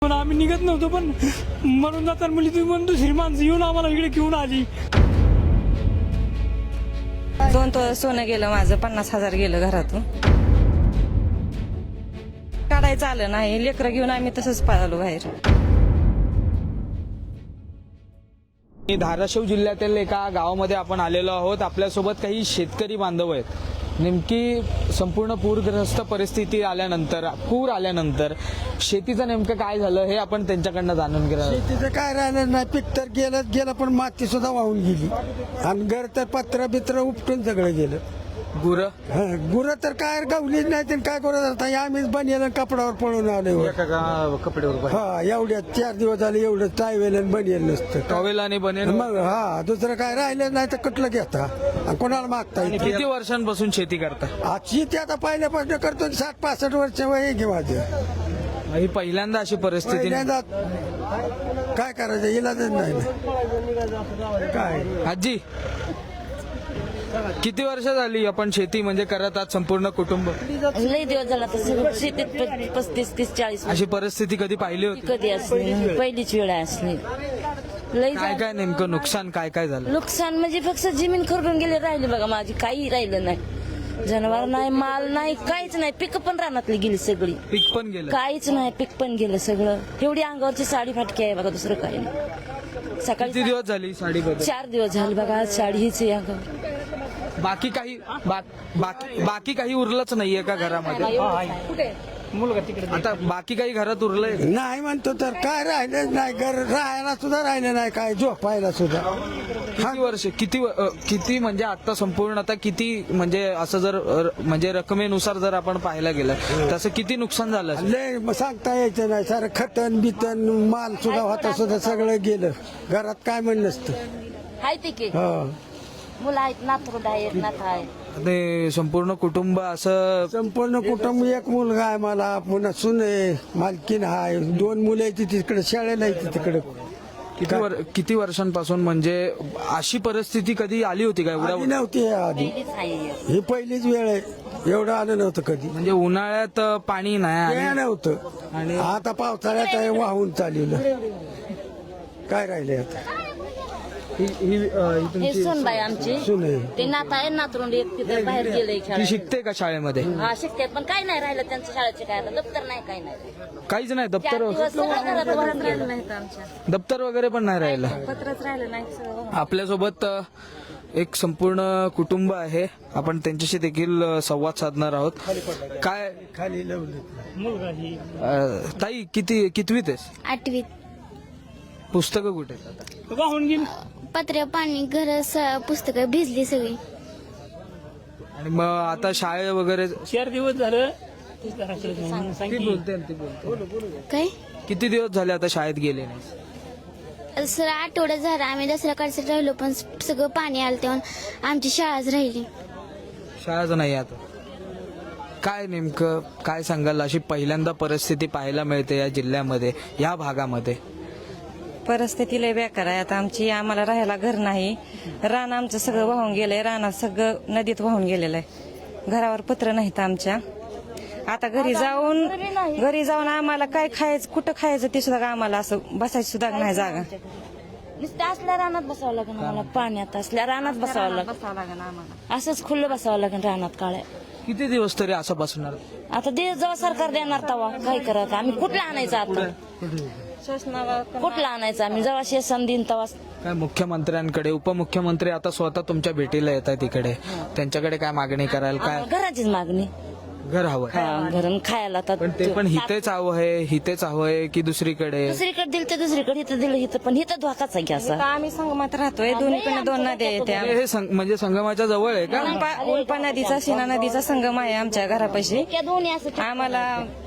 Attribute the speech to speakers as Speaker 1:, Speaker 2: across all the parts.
Speaker 1: पण आम्ही निघत नव्हतो, पण म्हणून जाताना मुली तुम्ही म्हणून दुसरी माणसं येऊन आम्हाला इकडे घेऊन आली.
Speaker 2: 2 तोळे सोनं गेलं माझं, 50,000 गेलं घरातून. काढायचं आलं नाही, लेकरं घेऊन आम्ही तसंच पळालो बाहेर.
Speaker 3: धाराशिव जिल्ह्यातील एका गावामध्ये आपण आलेलो आहोत. आपल्यासोबत काही शेतकरी बांधव आहेत. नेमकी संपूर्ण पूरग्रस्त परिस्थिती आल्यानंतर, पूर आल्यानंतर शेतीचं नेमकं काय झालं हे आपण त्यांच्याकडनं जाणून घेणार.
Speaker 4: शेतीचं काय राहिलं नाही, पीक तर गेलं पण माती सुद्धा वाहून गेली आणि घर तर पत्र बित्र उपटून सगळं गेलं. गुरं तर काय गावलीच नाही, ते काय करत आता आम्हीच बनियल कपड्यावर पळून आलो.
Speaker 3: कपड्यावर
Speaker 4: हा, एवढ्या 4 दिवस झाले एवढं टायवेल बनियल नसतं,
Speaker 3: टॉवेल आणि बनेल.
Speaker 4: मग हा दुसरं काय राहिलं नाही तर कुठलं घेता आणि कोणाला मागता येईल.
Speaker 3: किती वर्षांपासून शेती करता?
Speaker 4: आज शेती आता पहिल्यापासून करतो, 60-65 वर्ष वय आहे की माझं.
Speaker 3: ही पहिल्यांदा अशी परिस्थिती.
Speaker 4: पहिल्यांदा काय करायचं, इलाजच नाही ना. काय
Speaker 3: आजी, किती वर्ष झाली आपण शेती म्हणजे करत आहात संपूर्ण कुटुंब?
Speaker 5: लई दिवस झाला तर शेतीत 35-40
Speaker 3: अशी परिस्थिती कधी पाहिली होती?
Speaker 5: कधी असली, पहिलीच वेळ असली. लई
Speaker 3: काय काय नेमकं नुकसान काय काय झालं?
Speaker 5: नुकसान म्हणजे फक्त जमीन खरडून गेली, राहिली बघा माझी, काही राहिलं नाही. जनावर नाही, माल नाही, काहीच नाही. पिकं पण रानातली गेली सगळी,
Speaker 3: पीक पण गेलं.
Speaker 5: काहीच नाही, पीक पण गेलं सगळं. एवढी अंगावरची साडी फाटकी आहे बघा, दुसरं काही नाही. सकाळी
Speaker 3: किती दिवस झाली साडी बदल?
Speaker 5: 4 दिवस झाले बघा, आज साडी हीच आहे अंगावर.
Speaker 3: बाकी काही उरलंच नाहीये का घरामध्ये? आता बाकी काही घरात उरलंय?
Speaker 4: नाही म्हणतो तर काय राहिलंच नाही, घर राहायला सुद्धा राहिलं नाही, काय झोपायला सुद्धा.
Speaker 3: किती वर्ष, किती म्हणजे आता संपूर्ण आता किती म्हणजे असं जर म्हणजे रकमेनुसार जर आपण पाहायला गेलं तसं किती नुकसान झालं?
Speaker 4: लय सांगता यायचं नाही, सारं खतन बितन माल सुद्धा होता सुद्धा सगळं गेलं. घरात काय म्हण नसतं.
Speaker 5: हाय ते की
Speaker 4: हो,
Speaker 5: मुलं आहेत, नातरुंड आहेत, नात आहे.
Speaker 3: ते संपूर्ण कुटुंब असं.
Speaker 4: संपूर्ण कुटुंब, एक मुलगा आहे मला, पुन्हा सून आहे, मालकीन आहे, 2 मुलं आहेत तिकडे शाळेला आहे तिकडे.
Speaker 3: किती वर्षांपासून म्हणजे अशी परिस्थिती कधी आली होती का?
Speaker 4: आधी
Speaker 3: एवढा
Speaker 4: नव्हती आधी,
Speaker 5: पहिलीच आहे.
Speaker 4: ही पहिलीच वेळ आहे. एवढं आलं नव्हतं कधी,
Speaker 3: म्हणजे उन्हाळ्यात पाणी नाही
Speaker 4: वेळ
Speaker 3: आणि
Speaker 4: नव्हतं.
Speaker 3: आणि
Speaker 4: आता पावसाळ्यात आहे, वाहून चाललेलं. काय राहिले आता?
Speaker 5: हे सोनबाई आमची,
Speaker 4: सून आहे.
Speaker 5: ते नात आहे, नातरुंड एक तिथे बाहेर गेले
Speaker 3: ती शिकते का शाळेमध्ये?
Speaker 5: हा शिकतात, पण काय नाही राहिलं त्यांचं शाळेचे, काय आता दप्तर नाही, काही नाही.
Speaker 3: काहीच नाही.
Speaker 5: 4 दिवस सगळं घरात वरच
Speaker 2: राहिलं नाहीत आमच्या,
Speaker 3: दप्तर वगैरे पण नाही राहिलं.
Speaker 2: पत्रच राहिलं नाही सगळं.
Speaker 3: आपल्यासोबत एक संपूर्ण कुटुंब आहे. आपण त्यांच्याशी देखील संवाद साधणार आहोत. काय
Speaker 4: खाली लावलं.
Speaker 3: ताई, कितवीत आहेस?
Speaker 6: 8वीत.
Speaker 3: पुस्तकं कुठे आहेत?
Speaker 1: वाहून गेली.
Speaker 6: पत्र पाणी घर पुस्तकं भिजली सगळी.
Speaker 3: आणि मग आता शाळे वगैरे
Speaker 1: 4 दिवस झालं.
Speaker 3: ती बोलते.
Speaker 6: काय
Speaker 3: किती दिवस झाले आता शाळेत गेले नाही?
Speaker 6: सर आठवडा झाला, आम्ही दसरा काढसाठी राहिलो, पण सगळं पाणी आलं तेव्हा आमची शाळाच राहिली.
Speaker 3: शाळाच नाही आता. काय नेमकं काय सांगाल? अशी पहिल्यांदा परिस्थिती पाहायला मिळते या जिल्ह्यामध्ये, या भागामध्ये.
Speaker 2: परिस्थिती लय बेकार आहे आता आमची. आम्हाला राहायला घर नाही, रान आमचं सगळं वाहून गेलंय, रानात सगळं नदीत वाहून गेलेलं आहे. घरावर पत्र नाहीत आमच्या. आता घरी जाऊन आम्हाला काय खायचं, कुठं खायचं ते सुद्धा आम्हाला असं बसायची सुद्धा नाही जागा.
Speaker 5: नुसतं असल्या रानात बसावं लागेल आम्हाला, पाण्यात असल्या रानात बसावं लागेल,
Speaker 2: आम्हाला.
Speaker 5: असंच खुल्लं बसावं लागेल रानात काळ्या.
Speaker 3: किती दिवस तरी असं बसणार?
Speaker 5: आता दे जेव्हा सरकार देणार तेव्हा काय करत, आम्ही कुठला आणायचं आता, कुठला आणायचं आम्ही जेव्हा शेसन देईन तेव्हा.
Speaker 3: काय मुख्यमंत्र्यांकडे, उपमुख्यमंत्री आता स्वतः तुमच्या भेटीला येत आहेत इकडे, त्यांच्याकडे काय मागणी कराल? काय
Speaker 5: घराचीच मागणी,
Speaker 3: घर हवं?
Speaker 5: घरून खायला आता.
Speaker 3: पण ते पण हितेच हवंय की दुसरीकडे?
Speaker 5: दुसरीकडे दिलं तर दुसरीकडे, इथं दिलं इथं, पण इथं धोकाच आहे की असा.
Speaker 2: आम्ही संगमात राहतोय, दोन्हीकडे 2 नद्या येत्या.
Speaker 3: हे म्हणजे संगमाच्या जवळ आहे का?
Speaker 2: उल्पा नदीचा, सीना नदीचा संगम आहे आमच्या घरापाशी.
Speaker 5: त्या दोन्ही असं
Speaker 2: आम्हाला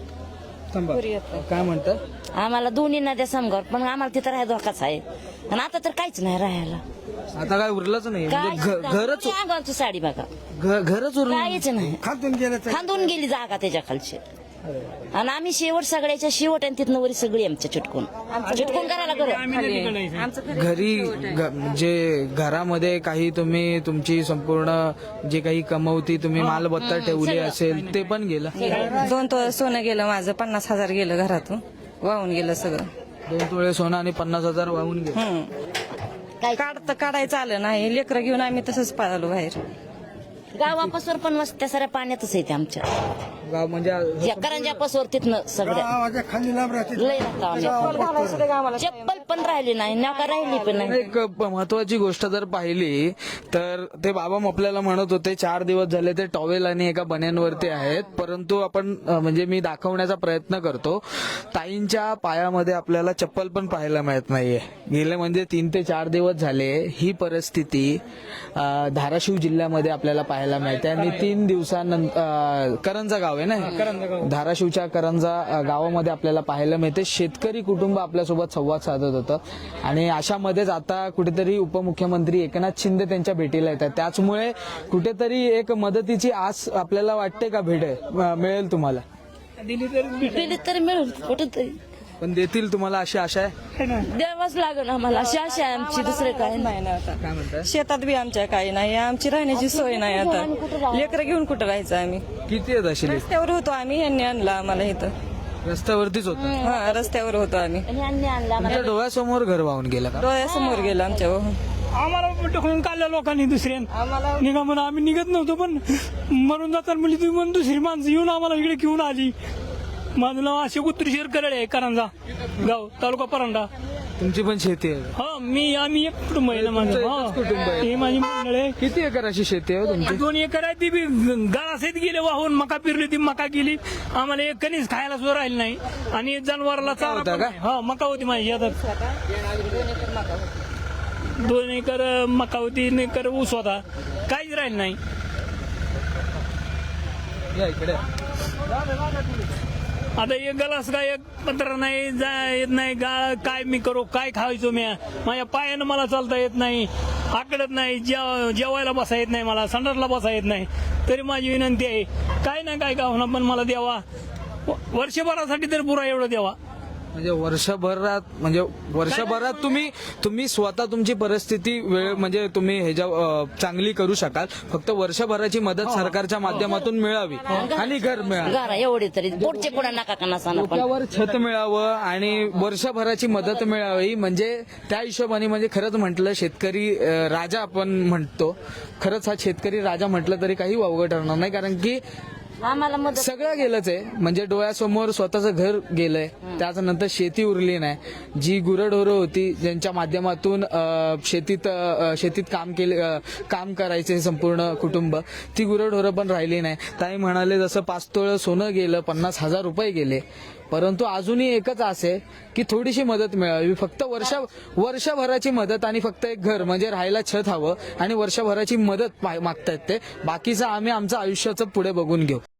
Speaker 3: काय म्हणतात?
Speaker 5: आम्हाला दोन्ही नद्या समगावर, पण आम्हाला तिथं राहायला धोकाच आहे. आणि आता तर काहीच नाही राहायला,
Speaker 3: आता काय उरलंच नाही म्हणजे घरच
Speaker 5: अंगावरची साडी बघा,
Speaker 3: घरच उरलं.
Speaker 5: काहीच नाही,
Speaker 4: खातून गेलं तर
Speaker 5: खांदून गेली जागा त्याच्या खालची. आणि आम्ही शेवट सगळ्याच्या शेवट, आणि तिथनं वरी सगळी आमच्या चिटकून करायला घर.
Speaker 3: घरी म्हणजे घरामध्ये काही तुम्ही तुमची संपूर्ण जे काही कमवती तुम्ही मालमत्ता ठेवली असेल ते पण गेलं.
Speaker 2: 2 तोळे सोनं गेलं माझं, 50,000 गेलं घरातून. वाहून गेलं सगळं.
Speaker 3: 2 तोळे सोनं आणि 50,000 वाहून गेले.
Speaker 5: काय
Speaker 2: काढायचं आलं नाही. लेकरं घेऊन आम्ही तसंच पळालो बाहेर.
Speaker 5: गावापासून पण वस्त्या साऱ्या पाण्यातच येते आमच्या
Speaker 3: गाव म्हणजे
Speaker 5: या करंजापासून तिथनं सगळ्या
Speaker 4: गावाच्या खाली लांब राहते.
Speaker 5: लय राहता आम्ही. चप्पल पण राहिली नाही नका राहिली पण नाही.
Speaker 3: एक महत्वाची गोष्ट जर पाहिली तर ते बाबा आपल्याला म्हणत होते 4 दिवस झाले ते टॉवेल आणि एका बन्यांवरती आहेत, परंतु आपण म्हणजे मी दाखवण्याचा प्रयत्न करतो, ताईंच्या पायामध्ये आपल्याला चप्पल पण पाहायला मिळत नाहीये. गेले म्हणजे 3 ते 4 दिवस झाले ही परिस्थिती धाराशिव जिल्ह्यामध्ये आपल्याला पाहायला मिळते. आणि 3 दिवसानंतर करंजा गाव आहे ना, धाराशिवच्या करंजा गावामध्ये आपल्याला पाहायला मिळते. शेतकरी कुटुंब आपल्यासोबत संवाद साधत होतं आणि अशामध्येच आता कुठेतरी उपमुख्यमंत्री एकनाथ शिंदे त्यांच्या भेटीला येतात. त्याचमुळे कुठेतरी एक मदतीची आस आपल्याला वाटते का मिळेल तुम्हाला?
Speaker 5: दिली तर मिळून कुठेतरी
Speaker 3: पण देतील तुम्हाला अशी आशा आहे?
Speaker 5: द्यावाच लागेल आम्हाला अशी आशा आहे आमची, दुसरे काय
Speaker 2: नाही ना आता.
Speaker 3: काय म्हणताय?
Speaker 2: शेतात बी आमच्या काही नाही. आमची राहण्याची सोय नाही आता. लेकरं घेऊन कुठं राहायचं आम्ही?
Speaker 3: किती आहेत अशी लिस्ट?
Speaker 2: रस्त्यावर होतो आम्ही. यांनी आणलं आम्हाला इथं.
Speaker 3: रस्त्यावरतीच होतं.
Speaker 2: हा, रस्त्यावर होतो आम्ही.
Speaker 5: आणि आणला आम्हाला.
Speaker 3: तुमच्या डोळ्यासमोर घर वाहून गेलं का?
Speaker 2: डोळ्यासमोर गेलं आमच्या.
Speaker 1: आम्हाला ढकलून काढल्या लोकांनी दुसऱ्या निघा म्हणून आम्ही निघत नव्हतो, पण मरून जाताना म्हणजे तुम्ही म्हणून दुसरी माणसं येऊन आम्हाला इकडे घेऊन आली. माझं नाव अशोक उत्तरेश्वर करडे आहे, करंजा गाव, तालुका परांडा.
Speaker 3: तुमची पण शेती आहे?
Speaker 1: हा, आम्ही एक कुटुंब आहे ना माझं.
Speaker 3: एकच कुटुंब आहे.
Speaker 1: हे माझी मंडळ आहे.
Speaker 3: किती एकर अशी शेती आहे तुमची?
Speaker 1: 2 एकर आहे. ती बी गाळासहित गेले वाहून. मका पेरली, ती मका गेली. आम्हाला एक कणीस खायला सुद्धा राहिली नाही. आणि जनावराला चारा
Speaker 3: होता
Speaker 1: पण
Speaker 3: का?
Speaker 1: नाही. हा, मका होती माझी आता. 2 एकर मका होती, 1 एकर ऊस होता. काहीच राहिलं नाही.
Speaker 3: या इकडे.
Speaker 1: आता एक गलास काय, एक पत्र नाही, येत नाही. काय मी करू, काय खायचो मी? माझ्या पायानं मला चालता येत नाही, आकडत नाही, जेवायला बसा येत नाही, मला संडासला बसा येत नाही. तरी माझी विनंती आहे, काय ना काय का होणार पण मला द्यावा. वर्षभरासाठी तर पुरा एवढं द्यावा.
Speaker 3: म्हणजे वर्षभरात तुम्ही स्वतः तुमची परिस्थिती म्हणजे तुम्ही ह्याच्या चांगली करू शकाल. फक्त वर्षभराची मदत सरकारच्या माध्यमातून मिळावी आणि घर मिळावं.
Speaker 5: गारा एवढी तरी पोटचे पुढे नका का नसा पण
Speaker 3: त्यावर छत मिळावं आणि वर्षभराची मदत मिळावी. म्हणजे त्या हिशोबाने म्हणजे खरंच म्हटलं शेतकरी राजा आपण म्हणतो, खरंच हा शेतकरी राजा म्हटलं तरी काही वावगं ठरणार नाही. कारण की
Speaker 5: आम्हाला मदत
Speaker 3: सगळं गेलंच आहे. म्हणजे डोळ्यासमोर स्वतःचं घर गेलंय, त्याच्यानंतर शेती उरली नाही. जी गुरंढोरं होती ज्यांच्या माध्यमातून शेतीत काम करायचे संपूर्ण कुटुंब, ती गुरंढोरं पण राहिली नाही. ताई म्हणाले जसं 5 तोळं सोनं गेलं, 50,000 रुपये गेले, परंतु अजूनही एकच आस आहे की थोडीशी मदत मिळावी. फक्त वर्षभराची मदत आणि फक्त एक घर म्हणजे राहायला छत हवं आणि वर्षभराची मदत मागतायत ते. बाकीचं आम्ही आमचं आयुष्याचं पुढे बघून घेऊ.